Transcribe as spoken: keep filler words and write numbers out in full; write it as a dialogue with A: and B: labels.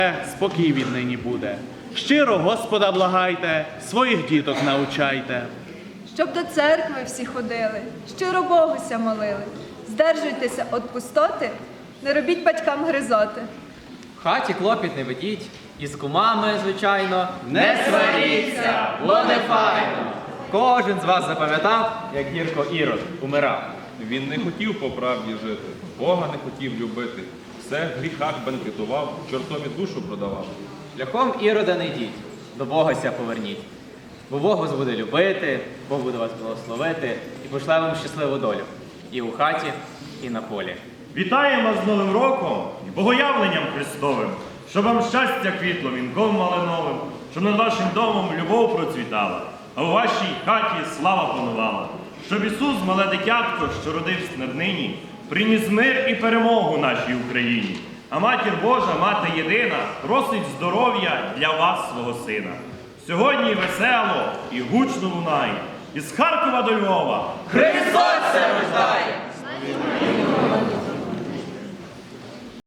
A: спокій віднині буде. Щиро Господа благайте, своїх діток научайте.
B: Щоб до церкви всі ходили, щиро Богуся молили. Здержуйтеся від пустоти, не робіть батькам гризоти.
C: В хаті клопіт не ведіть, і з кумами, звичайно,
D: Не сваріться, бо не файно.
C: Кожен з вас запам'ятав, як гірко Ірод умирав.
E: Він не хотів по правді жити, Бога не хотів любити. Все в гріхах бенкетував, чортові душу продавав.
C: Шляхом Ірода не йдіть, до Богося поверніть. Бо Бог вас буде любити, Бог буде вас благословити і пошле вам щасливу долю. І у хаті, і на полі.
F: Вітаємо з Новим роком і Богоявленням Христовим, щоб вам щастя квітло вінком малиновим, щоб над вашим домом любов процвітала, а у вашій хаті слава панувала. Щоб Ісус, мале дитятко, що родився над нині, приніс мир і перемогу нашій Україні. А Матір Божа, Мати єдина, просить здоров'я для вас, свого сина. Сьогодні весело і гучно лунає із Харкова до Львова
D: Христос се рождає!